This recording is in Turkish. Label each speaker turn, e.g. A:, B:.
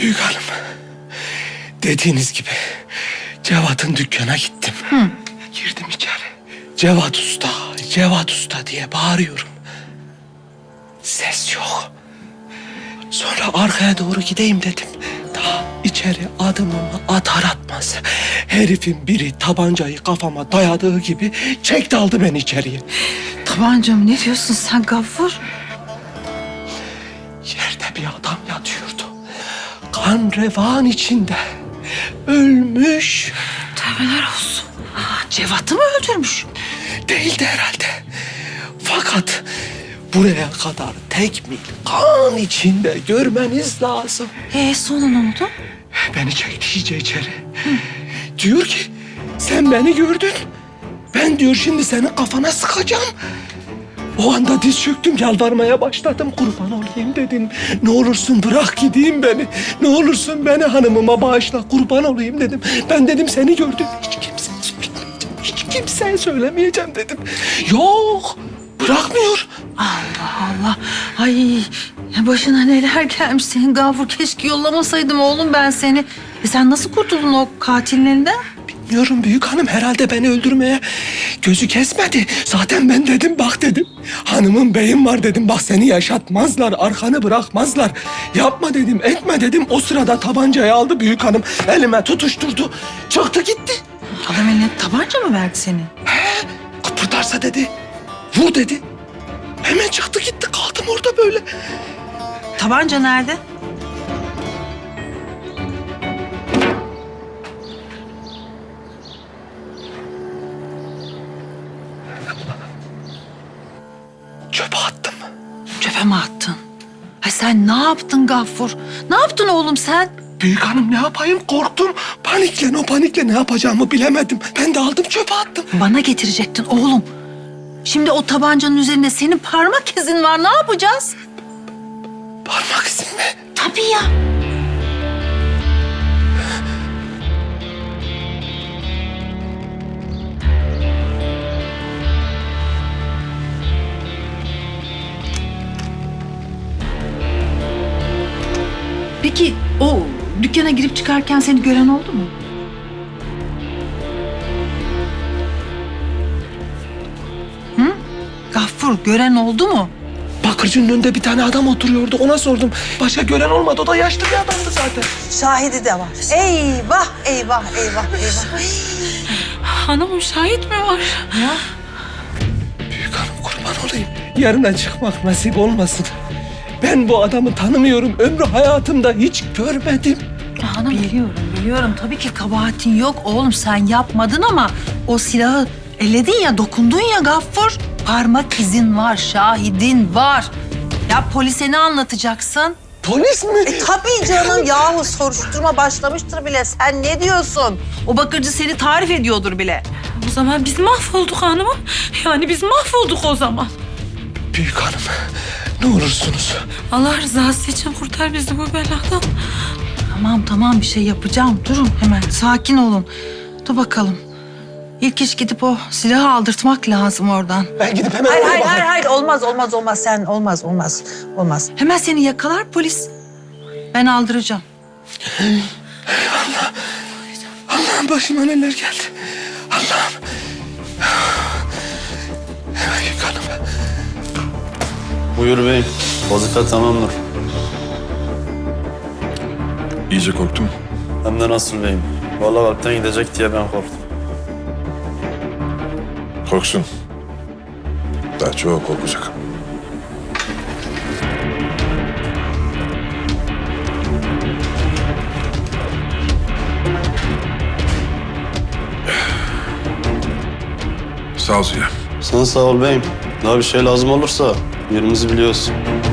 A: Büyük hanım, dediğiniz gibi Cevat'ın dükkana gittim. Girdim içeri. Cevat Usta, Cevat Usta diye bağırıyorum. Ses yok. Sonra arkaya doğru gideyim dedim. Daha içeri adımımı atar atmaz herifin biri tabancayı kafama dayadığı gibi çekti aldı beni içeriye.
B: Tabancam ne diyorsun sen Gaffur?
A: Yerde bir adam yatıyordu. Kan revan içinde. Ölmüş.
B: Tövbeler olsun. Cevat'ı mı öldürmüş?
A: Değildi herhalde. Fakat buraya kadar tek mil kan içinde görmeniz lazım.
B: Sonra ne oldu?
A: Beni çekti iyice içeri. Diyor ki sen beni gördün. Ben diyor şimdi senin kafana sıkacağım. O anda diz çöktüm, yalvarmaya başladım. Kurban olayım dedim. Ne olursun bırak gideyim beni. Ne olursun beni hanımıma bağışla, kurban olayım dedim. Ben dedim seni gördüm. Hiç kimseye söylemeyeceğim. Hiç kimseye söylemeyeceğim dedim. Yok, bırakmıyor.
B: Allah Allah. Ay başına neler gelmiş senin Gaffur. Keşke yollamasaydım oğlum ben seni. Sen nasıl kurtuldun o katilin elinden?
A: Bilmiyorum büyük hanım, herhalde beni öldürmeye gözü kesmedi. Zaten ben dedim bak dedim. Hanımın beyim var dedim, bak seni yaşatmazlar, arkanı bırakmazlar. Yapma dedim, etme dedim. O sırada tabancayı aldı büyük hanım, elime tutuşturdu. Çıktı gitti.
B: Adam eline tabanca mı verdi seni?
A: Kıpırdarsa dedi, vur dedi. Hemen çıktı gitti, kaldım orada böyle.
B: Tabanca nerede?
A: Çöpe attım.
B: Çöpe mi attın? Ay sen ne yaptın Gaffur? Ne yaptın oğlum sen?
A: Büyük hanım ne yapayım, korktum. O panikle ne yapacağımı bilemedim. Ben de aldım çöpe attım.
B: Bana getirecektin oğlum. Şimdi o tabancanın üzerinde senin parmak izin var. Ne yapacağız?
A: Parmak izin mi?
B: Tabii ya. Peki o dükkana girip çıkarken seni gören oldu mu? Hı? Gaffur gören oldu mu?
A: Bakırcının önünde bir tane adam oturuyordu. Ona sordum. Başka gören olmadı. O da yaşlı bir adamdı zaten.
C: Şahidi de var. Eyvah, eyvah, eyvah, eyvah.
D: Hanımım şahit mi var?
A: Büyük hanım kurban olayım. Yarına çıkmak nasip olmasın. Ben bu adamı tanımıyorum. Ömrü hayatımda hiç görmedim.
B: Hanım biliyorum. Tabii ki kabahatin yok oğlum. Sen yapmadın ama o silahı elledin ya, dokundun ya Gaffur. Parmak izin var, şahidin var. Ya polise ne anlatacaksın?
A: Polis mi?
C: Tabii canım yahu soruşturma başlamıştır bile. Sen ne diyorsun?
B: O bakırcı seni tarif ediyordur bile.
D: O zaman biz mahvolduk hanımım. Yani biz mahvolduk o zaman.
A: Büyük hanım ne olursunuz.
D: Allah rızası için kurtar bizi bu beladan.
B: Tamam bir şey yapacağım. Durun hemen sakin olun. Dur bakalım. İlk iş gidip o silahı aldırtmak lazım oradan.
A: Ben gidip hemen
C: Hayır,
A: oraya
C: hayır,
A: bakayım.
C: hayır, olmaz. Sen olmaz.
B: Hemen seni yakalar polis. Ben aldıracağım.
A: Allah'ım başıma neler geldi. Allah'ım. Büyük hanım.
E: Buyur beyim. Vazife tamamdır.
F: İyice korktum.
E: Hem de nasıl beyim? Vallahi kalpten gidecek diye ben korktum.
F: Korksun. Daha çok korkacak. Sağ ol Ziya.
E: Sen sağ ol beyim. Daha bir şey lazım olursa yerimizi biliyorsun.